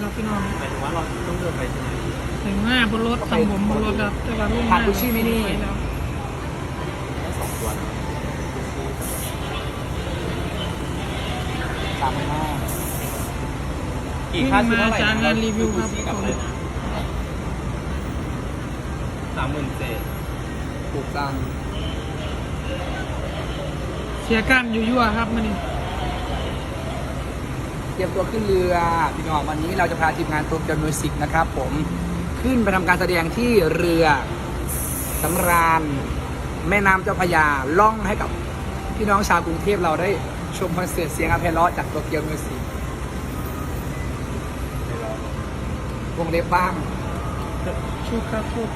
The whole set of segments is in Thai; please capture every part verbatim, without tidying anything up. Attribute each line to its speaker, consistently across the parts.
Speaker 1: ครับพี่น้อง
Speaker 2: หมายถึงว่าเราต้องเดินไปใช่ไหม
Speaker 1: ถึงหน้าบนรถทำผมบนรถครับแต่ว่าลุงห
Speaker 3: ผ่า
Speaker 1: น้าน
Speaker 3: กุชชี่มินิ
Speaker 1: ไปแล้ว
Speaker 2: ได้สองตัวนะ
Speaker 3: สามพันห้า
Speaker 2: กี่ค่าชุดเท่าไหร่
Speaker 1: จางงานรีวิวครับ
Speaker 2: กับอะไรนะสามหมื่นเจ็ด
Speaker 3: ถูกตัง
Speaker 1: เสียกล้ามอยู่ยั่วครับมันนี่
Speaker 3: เตรียมตัวขึ้นเรือพี่น้องวันนี้เราจะพาทีมงานโตเกียวมิวสิกนะครับผมขึ้นไปทำการแสดงที่เรือสำราญแม่น้ำเจ้าพระยาล่องให้กับพี่น้องชาวกรุงเทพเราได้ชมคอนเสิร์ตเสียงอาเพลเลาะจากโตเกียวมิวสิกวงเล็บบ้าง
Speaker 1: ชุดครับชุด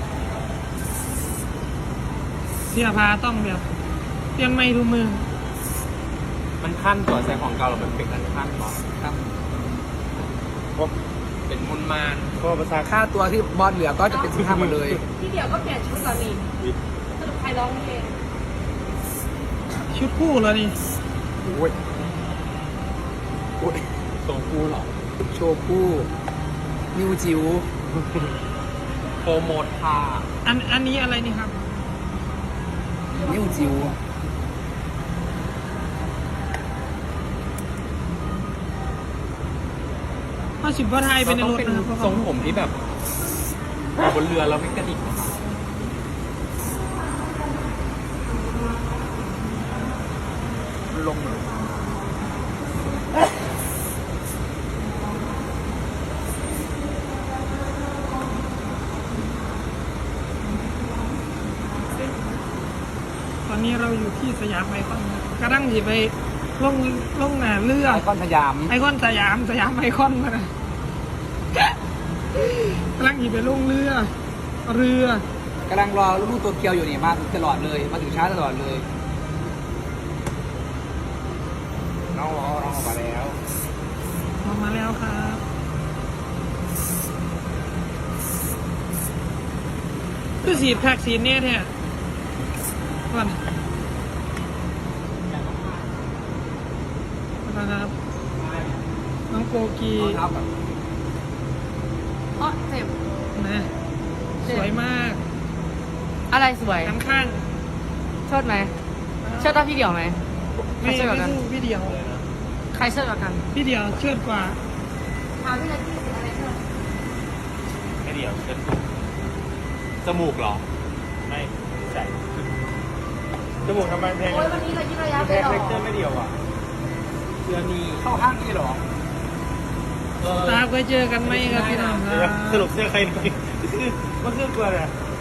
Speaker 1: เสียพาต้องแบบเตรียมไม่ทุกมือ
Speaker 2: มันขั้นตัวใส่ของเก่าเราเป็นเป็นกันขั้นก่อน
Speaker 3: ครับ
Speaker 2: พบเป็นมุนมาน
Speaker 3: พอภาษาค่าตัวที่บอลเหลือก็จะเป็นสิบห้าหมดเลย
Speaker 4: พี่เดี่ยวก็เปลี่ยนชุดเหรอนี่สรุปใครร้องเพลง
Speaker 1: ชุดคู่เลยนี่
Speaker 3: โอ้ยโอ้ย
Speaker 2: ตรงกูเหรอ
Speaker 3: โชว์คู่นิวจิ๋ว
Speaker 2: โปรโมทค่ะ
Speaker 1: อันอันนี้อะไรนี่ครับ
Speaker 3: นิวจิ๋ว
Speaker 1: ข้อสิบว่าไทยเป็นใน
Speaker 2: เรา
Speaker 1: ร
Speaker 2: ต้อง
Speaker 1: ถ
Speaker 2: เป็น
Speaker 1: นะครับ
Speaker 2: ทรงผมที่แบบบนเรือเราไม่กระดิกนะคะ
Speaker 3: ลงเลย
Speaker 1: ตอนนี้เราอยู่ที่สยามไอคอนครับกระดังที่ไปลงลงหนาเรือ
Speaker 3: ไอคอนสยาม
Speaker 1: ไอคอนสยามสยามไอคอนมานะกำลังหยิบไปลงเรือ เรือก
Speaker 3: ำลังรอลูกตัวเกียวอยู่นี่มาถึงตลอดเลย มาถึงช้าตลอดเลย น้องรอน้องออกมาแล้ว
Speaker 1: ออกมาแล้วครับคือสีดแพ็กสีเนี่ยแท้ก่อนนะครับน้องโกกี
Speaker 3: เอาเท้าก่อน
Speaker 4: อ๋อเจ็บ
Speaker 1: นะสวยมาก
Speaker 4: อะไรสวย
Speaker 1: น้ำข้าง
Speaker 4: เชิดไหมเชิดว่าพี่เดี่ยวไหมใคร
Speaker 1: ไม่
Speaker 4: เชิดก
Speaker 1: ไม่
Speaker 4: ว่ากัน
Speaker 1: สู้พี่เดียว
Speaker 4: ใครเชิดกว่ากัน
Speaker 1: พี่เดียวเชิดกว่า
Speaker 4: ถามพี่เลยที่อะไรเชิด
Speaker 2: ไม่เดียวเช็ดจมูกเหรอ ไม่ใส่จมูกทำไมแพง
Speaker 4: โอ้ยวันนี้เรายิ้มระยะ
Speaker 2: แพ
Speaker 4: ไป
Speaker 2: ง
Speaker 4: หรอ
Speaker 2: เล็กเจอไม่เดียวอ่ะเสื้อนี่
Speaker 3: เข้าห้างนี่เหรอ
Speaker 2: เออ
Speaker 1: ตาเคยเจอกันไหมครับพี่น้องครับ
Speaker 2: สรุปเสื้อใครหน่อยมันคือกลัวเลย